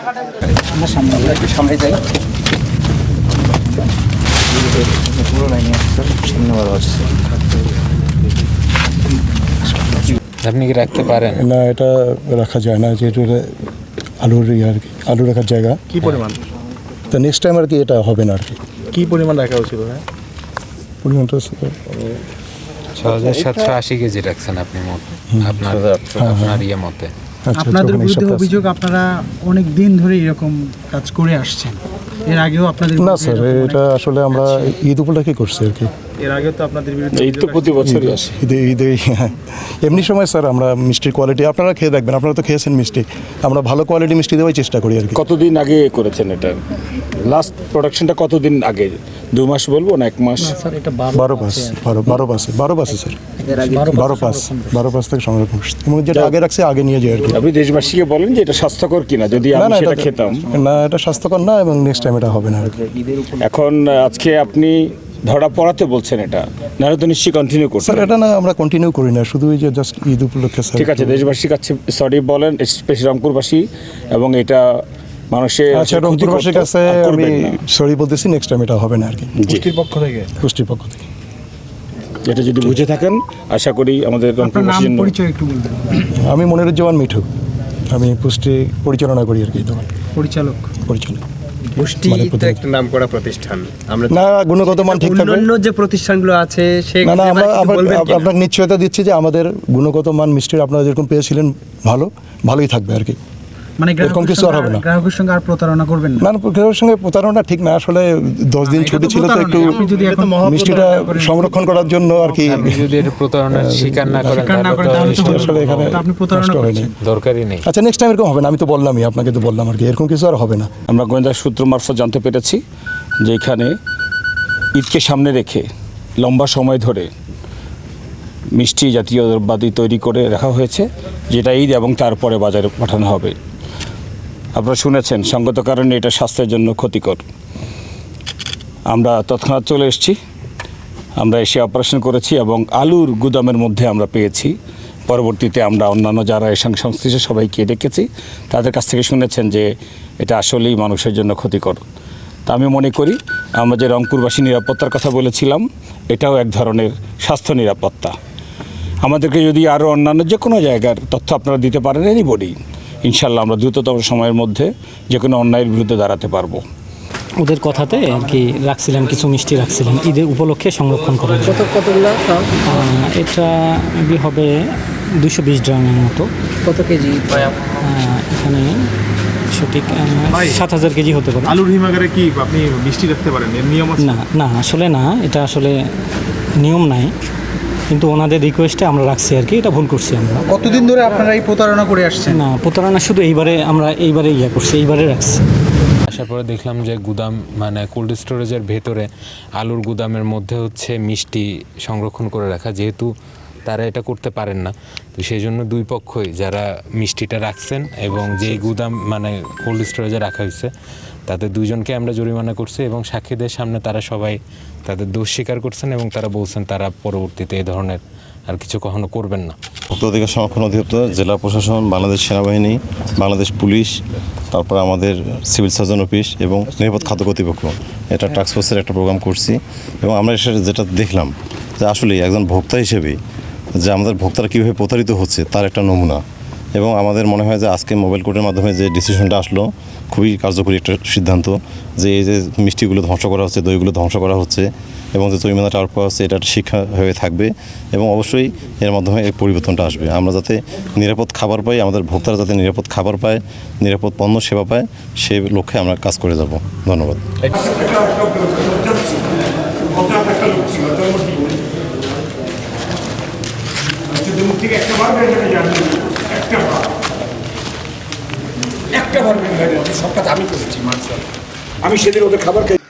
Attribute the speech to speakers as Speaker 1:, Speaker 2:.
Speaker 1: সামনে যাই, পুরো লাইনে সামনে ভালো আছে।
Speaker 2: আপনি কি রাখতে পারেন?
Speaker 3: না, এটা রাখা যায় না, যেহেতু এটা আলুর আর কি, আলু রাখার জায়গা।
Speaker 4: কি পরিমাণ?
Speaker 3: তা নেক্সট টাইম আর কি এটা হবে না আর কি।
Speaker 4: কি পরিমাণ রাখা উচিত? হ্যাঁ,
Speaker 3: পরিমাণটা
Speaker 2: ৬,৭৮০ কেজি রাখছেন আপনি মোট আপনার ইয়ে মতে।
Speaker 3: আচ্ছা,
Speaker 5: আপনাদের
Speaker 3: যখন
Speaker 5: বিরুদ্ধে
Speaker 3: হিসাবটা আছে।
Speaker 5: অভিযোগ আপনারা অনেক দিন ধরে এরকম কাজ করে আসছেন, এর আগেও আপনাদের
Speaker 3: না
Speaker 5: বিরুদ্ধে
Speaker 3: স্যার,
Speaker 5: এরকম
Speaker 3: এটা আসলে আমরা ঈদ উপলক্ষে করছি আর কি।
Speaker 4: এর আগে তো আপনাদের বিরুদ্ধে
Speaker 2: এই তো প্রতি বছরই আসে।
Speaker 3: ঈদে এমনি সময় স্যার আমরা মিষ্টির কোয়ালিটি আপনারা খেয়ে দেখবেন, আপনারা তো খেয়েছেন মিষ্টি, আমরা ভালো কোয়ালিটি মিষ্টি দেওয়ার চেষ্টা করি আর কি।
Speaker 2: কতদিন আগে করেছেন এটা? লাস্ট প্রোডাকশনটা কতদিন আগে? 2 মাস বলবো না 1 মাস?
Speaker 5: স্যার এটা
Speaker 3: 12 পাস স্যার, 12 পাস থেকে সংরক্ষণ করছি, এবং যেটা আগে রাখছে আগে নিয়ে যায় আর কি।
Speaker 2: আপনি দেশবাসীকে বলেন যে এটা স্বাস্থ্যকর কিনা, যদি
Speaker 3: না
Speaker 2: আমি
Speaker 3: না,
Speaker 2: সেটা খেতাম।
Speaker 3: না, এটা স্বাস্থ্যকর না, এবং নেক্সট টাইম এটা হবে না আর কি।
Speaker 2: এখন আজকে আপনি ধরা পড়াতে বলছেন এটা, নাহলে তো নিশ্চয়ই কন্টিনিউ করছেন।
Speaker 3: স্যার এটা না, আমরা কন্টিনিউ করি না, শুধু ওই যে জাস্ট ঈদ উপলক্ষে স্যার।
Speaker 2: ঠিক আছে, দেশবাসীর কাছে সরি বলেন, স্পেশালি রংপুরবাসী, এবং এটা মানুষের
Speaker 3: আচ্ছা, রংপুরবাসীর কাছে আমি সরি বলতেছি, নেক্সট টাইম এটা হবে না আর কি।
Speaker 4: পুষ্টির পক্ষ থেকে
Speaker 2: এটা যদি বুঝে থাকেন, আশা করি আমাদের
Speaker 5: আপনার নাম
Speaker 2: রংপুরবাসীর জন্য।
Speaker 5: পরিচয় একটু বলবেন।
Speaker 3: আমি মনিরুজ্জামান মিঠু, আমি পুষ্টি পরিচালনা করি আর কি, দোকান
Speaker 5: পরিচালক।
Speaker 6: পুষ্টি
Speaker 3: মানে
Speaker 6: তো একটা নামকরা প্রতিষ্ঠান। আমরা
Speaker 3: না, গুণগত মান ঠিক থাকবে।
Speaker 6: অন্যান্য যে প্রতিষ্ঠানগুলো আছে
Speaker 3: না না, আমরা
Speaker 6: বলবেন কি?
Speaker 3: আপনাকে নিশ্চয়তা দিচ্ছি যে আমাদের গুণগত মান মিষ্টির আপনারা যেরকম পেয়েছিলেন ভালোই থাকবে আর কি।
Speaker 5: মানে
Speaker 3: এরকম কিছু আর হবে না।
Speaker 5: গ্রাহকের সঙ্গে আর প্রতারণা করবেন না।
Speaker 3: না, গ্রাহকের সঙ্গে প্রতারণা ঠিক না, আসলে 10 দিন ছুটি ছিল তো একটু
Speaker 5: আপনি যদি এখন
Speaker 3: মিষ্টিটা সংরক্ষণ করার জন্য আর কি।
Speaker 2: আপনি যদি এটা প্রতারণার স্বীকার না করেন,
Speaker 5: তাহলে তো
Speaker 3: আসলে এখানে
Speaker 5: আপনি প্রতারণা
Speaker 3: নষ্ট হয়নি।
Speaker 5: করছেন।
Speaker 2: দরকারই নেই।
Speaker 3: আচ্ছা, নেক্সট টাইম এরকম হবে না, আমি তো বললামই আপনাকে, তো বললাম আর কি, এরকম কিছু আর হবে না।
Speaker 2: আমরা গোয়েন্দা সূত্র মারফত জানতে পেরেছি যে এখানে ঈদকে সামনে রেখে লম্বা সময় ধরে মিষ্টি জাতীয় দ্রব্যাদি তৈরি করে রাখা হয়েছে, যেটা ঈদ এবং তারপরে বাজারে পাঠানো হবে। আপনারা শুনেছেন, সঙ্গত কারণে এটা স্বাস্থ্যের জন্য ক্ষতিকর। আমরা তৎক্ষণাৎ চলে এসেছি, আমরা এসে অপারেশন করেছি এবং আলুর গুদামের মধ্যে আমরা পেয়েছি। পরবর্তীতে আমরা অন্যান্য যারা এর সঙ্গে সংশ্লিষ্ট সবাইকে ডেকেছি, তাদের কাছ থেকে শুনেছেন যে এটা আসলেই মানুষের জন্য ক্ষতিকর। তা আমি মনে করি আমরা যে রংপুরবাসী নিরাপত্তার কথা বলেছিলাম, এটাও এক ধরনের স্বাস্থ্য নিরাপত্তা। আমাদেরকে যদি আরও অন্যান্য যে কোনো জায়গার তথ্য আপনারা দিতে পারেন, এনিবডি, ইনশাল্লাহ আমরা দ্রুততম সময়ের মধ্যে যে কোনো অন্যায়ের বিরুদ্ধে দাঁড়াতে পারবো।
Speaker 7: ওদের কথাতে আর কি রাখছিলাম, কিছু মিষ্টি রাখছিলাম ঈদের উপলক্ষে সংরক্ষণ করার জন্য।
Speaker 6: কতগুলো
Speaker 7: এটা মেবি হবে 220 গ্রামের মতো।
Speaker 6: কত কেজি?
Speaker 7: এখানে সঠিক 7,000 কেজি হতে পারে।
Speaker 4: আলুর হিমাগারে কি আপনি মিষ্টি রাখতে পারেন? এর নিয়ম আছে?
Speaker 7: না না, আসলে না, এটা আসলে নিয়ম নাই, কিন্তু ওনাদের রিকোয়েস্টে আমরা রাখছি আর কি। এটা ভুল করছি আমরা।
Speaker 5: কতদিন ধরে আপনারা এই প্রতারণা করে আসছেন?
Speaker 7: না, প্রতারণা শুধু এইবারে করছি, এইবারে রাখছি।
Speaker 2: আসার পরে দেখলাম যে গুদাম, মানে কোল্ড স্টোরেজের ভেতরে আলুর গুদামের মধ্যে হচ্ছে মিষ্টি সংরক্ষণ করে রাখা, যেহেতু তারা এটা করতে পারেন না, তো সেই জন্য দুই পক্ষই যারা মিষ্টিটা রাখছেন এবং যেই গুদাম মানে কোল্ড স্টোরেজে রাখা হয়েছে, তাদের দুইজনকে আমরা জরিমানা করছি এবং সাক্ষীদের সামনে তারা সবাই তাদের দোষ স্বীকার করছেন এবং তারা বলছেন তারা পরবর্তীতে এই ধরনের আর কিছু কখনো করবেন না।
Speaker 8: ভোক্তা অধিকার সংরক্ষণ অধিদপ্তর, জেলা প্রশাসন, বাংলাদেশ সেনাবাহিনী, বাংলাদেশ পুলিশ, তারপর আমাদের সিভিল সার্জন অফিস এবং নিরাপদ খাদ্য কর্তৃপক্ষ, এটা টাস্ক ফোর্সের একটা প্রোগ্রাম করছি। এবং আমরা যেটা দেখলাম যে আসলে একজন ভোক্তা হিসেবে যে আমাদের ভোক্তারা কীভাবে প্রতারিত হচ্ছে তার একটা নমুনা। এবং আমাদের মনে হয় যে আজকে মোবাইল কোর্টের মাধ্যমে যে ডিসিশনটা আসলো, খুবই কার্যকরী একটা সিদ্ধান্ত, যে এই যে মিষ্টিগুলো ধ্বংস করা হচ্ছে, দইগুলো ধ্বংস করা হচ্ছে এবং যে জরিমানাটা আরোপ করা হচ্ছে, এটা একটা শিক্ষা হয়ে থাকবে এবং অবশ্যই এর মাধ্যমে এই পরিবর্তনটা আসবে। আমরা যাতে নিরাপদ খাবার পাই, আমাদের ভোক্তারা যাতে নিরাপদ খাবার পায়, নিরাপদ পণ্য সেবা পায়, সেই লক্ষ্যে আমরা কাজ করে যাব। ধন্যবাদ।
Speaker 9: একটা বার সব কাজ আমি করেছি, আমি সেদিন ওদের খাবার খাই।